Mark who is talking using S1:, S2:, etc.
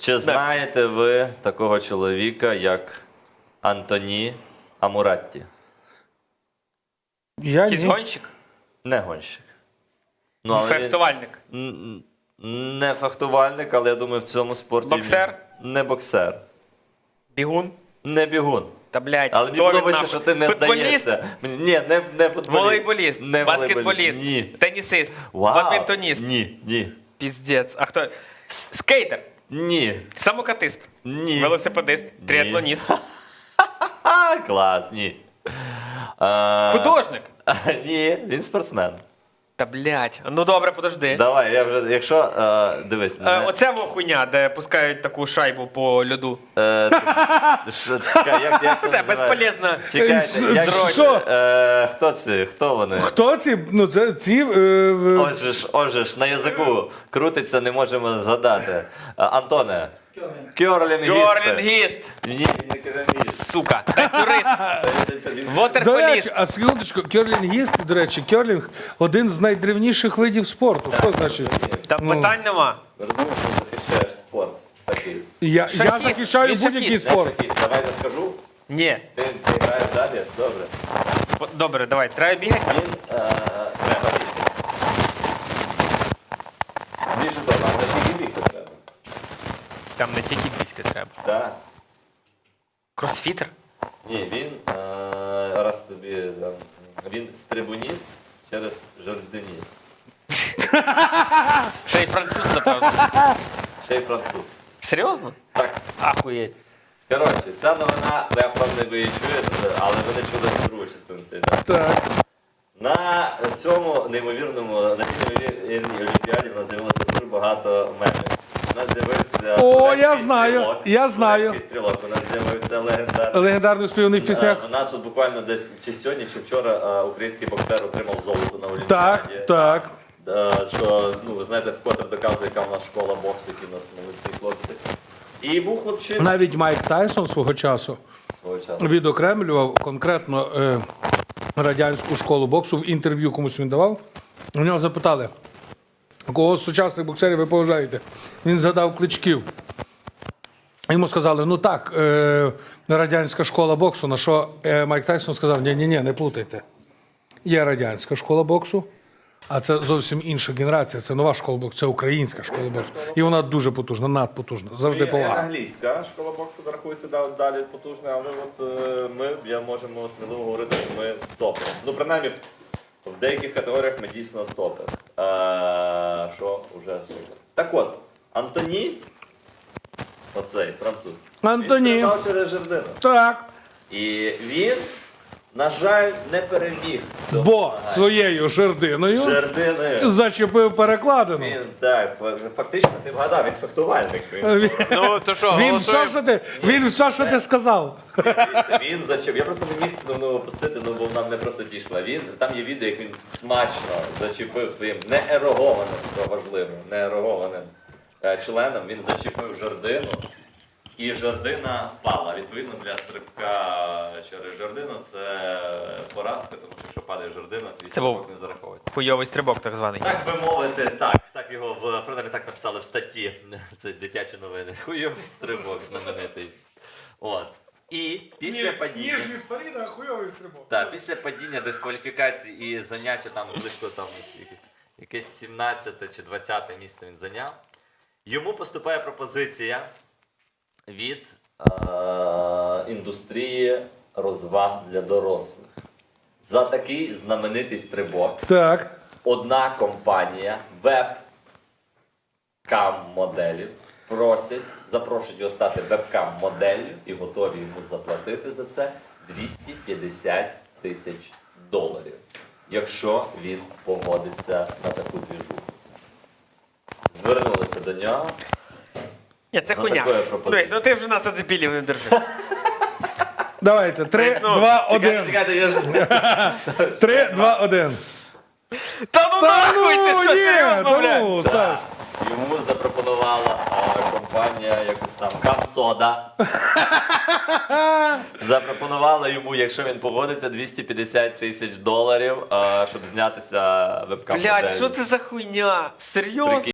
S1: Чи знаєте ви такого чоловіка, як Антоні Амуратті?
S2: Я
S3: Якийсь
S2: ні.
S3: гонщик?
S1: Не гонщик. Ну, але
S3: Фехтувальник?
S1: не фехтувальник, але я думаю, в цьому спорті...
S3: Боксер?
S1: Не боксер.
S3: Бігун?
S1: Не бігун.
S3: Та, блядь,
S1: Але мені
S3: хто він
S1: подобається,
S3: нахуй?
S1: що ти не
S3: Футболіст?
S1: здаєшся. Ні, не футболіст.
S3: Волейболіст?
S1: Не
S3: Баскетболіст?
S1: Ні.
S3: Тенісист?
S1: Вау.
S3: Бадмінтоніст?
S1: Ні.
S3: Піздець. А хто? Скейтер?
S1: Ні.
S3: Самокатист?
S1: Ні.
S3: Велосипедист? Триатлоніст?
S1: Клас, ні.
S3: Художник?
S1: Ні, він спортсмен.
S3: Та, блядь. Ну добре, подожди.
S1: Давай, я вже, якщо, дивись.
S3: Оце во хуйня, де пускають таку шайбу по льоду.
S1: Чекай, як це
S3: Це
S1: називається?
S3: безполезно.
S1: Чекайте, як
S2: Що?
S1: хто це? Хто вони?
S2: Хто ці? Ну, це ці...
S1: Отже ж, на язику крутиться, не можемо згадати. Антоне. Кьорлінгісти.
S3: Кьорлінгіст.
S1: Ні, не кьорлінгіст.
S3: Сука. Танцюрист.
S2: До
S3: Вотерполіст.
S2: речі, а секундочку, керлінгісти, до речі, керлінг – один з найдревніших видів спорту. Що значить?
S3: Та питань нема.
S1: Розумієш, що захищаєш спорт такий.
S2: Я
S3: Шахіст.
S2: захищаю
S3: Він
S2: будь-який
S3: шахіст.
S2: спорт.
S1: Давай не скажу.
S3: Ні.
S1: Ти граєш далі? Добре.
S3: Добре, давай. Треба бігати.
S1: Він треба бігти. Більше того, нам не тільки бігти треба.
S3: Там не тільки бігти треба.
S1: Так.
S3: Кросфітер?
S1: Ні, він раз тобі там, він стрибуніст через жардиніст.
S3: Ще й француз, напевно.
S1: Ще й француз.
S3: Серйозно?
S1: Так.
S3: Ахуєть.
S1: Коротше, ця новина, я впевнений, ви її чуєте, але ви не чули другу частину цієї. Так?
S2: Так.
S1: На цьому неймовірному, на цій неймовірній олімпіаді в нас з'явилося дуже багато мемів. У нас з'явився
S2: О, я
S1: турецький
S2: знаю,
S1: стрілок.
S2: я знаю.
S1: Турецький стрілок, у нас з'явився легендарний.
S2: Легендарно співаних піснях.
S1: У нас от буквально десь чи сьогодні, чи вчора український боксер отримав золото на Олімпіаді.
S2: Так.
S1: Що, ну, ви знаєте, вкотре доказує, яка в нас школа боксу, які в нас молодці хлопці. І був хлопчина
S2: Навіть Майк Тайсон свого часу
S1: свого часу.
S2: відокремлював конкретно радянську школу боксу. В інтерв'ю комусь він давав. У нього запитали, кого з сучасних боксерів ви поважаєте? Він згадав Кличків. Йому сказали, ну так, радянська школа боксу, на що Майк Тайсон сказав, ні, не плутайте. Є радянська школа боксу, а це зовсім інша генерація, це нова школа боксу, це українська школа боксу. І вона дуже потужна, надпотужна, завжди повага.
S1: Англійська школа боксу рахується далі потужна, але от ми можемо сміливо говорити, що ми топи. Ну, принаймні, в деяких категоріях ми дійсно топи. Що вже супер. Так от, Антоні, оцей француз,
S2: Антоні.
S1: він стрибав через жердину.
S2: Так,
S1: І він, на жаль, не переміг.
S2: бо своєю жердиною
S1: Жердиною.
S2: зачепив перекладину.
S1: Він, так, фактично ти вгадав, він фехтувальник.
S3: Ну, то що,
S2: Він все, що ти сказав.
S1: Він зачепив. Я просто не міг цю опустити, ну бо нам не просто дійшла. Там є відео, як він смачно зачепив своїм неерогованим, що важливо, неерогованим членом. Він зачепив жердину. І жердина спала. Відповідно, для стрибка через жердину це поразка, тому що якщо падає жердина, то
S3: Це був
S1: стрибок не зараховують.
S3: хуйовий стрибок, так званий.
S1: Так би мовити, так його принаймні так написали в статті. Це дитячі новини. Хуйовий стрибок знаменитий. От. І після падіння.
S2: від Фаріда, хуйовий стрибок.
S1: Так, після падіння, дискваліфікації і заняття там близько там якесь 17 чи 20 місце він зайняв. Йому поступає пропозиція від індустрії розваг для дорослих. За такий знаменитий стрибок
S2: Так.
S1: одна компанія веб-кам-моделів запрошують його стати веб-кам-моделлю і готові йому заплатити за це $250 тисяч, якщо він погодиться на таку двіжуху. Звернулися до нього.
S3: Ні, це
S1: За
S3: хуйня.
S1: такою пропозицією.
S3: Дивись, ну ти вже нас дебілів не держи.
S2: Давайте, 3,
S3: Ну,
S2: 2, 1.
S1: Чекайте, я ж...
S2: 3, 2, 1.
S3: Та ну нахуй, ти що, серйозно, блядь?
S2: ну, Саш.
S1: Йому запропонувала компанія якось там Камсода. Запропонувала йому, якщо він погодиться, $250 тисяч, щоб знятися веб-кам.
S3: Блядь, що це за хуйня? Серйозно?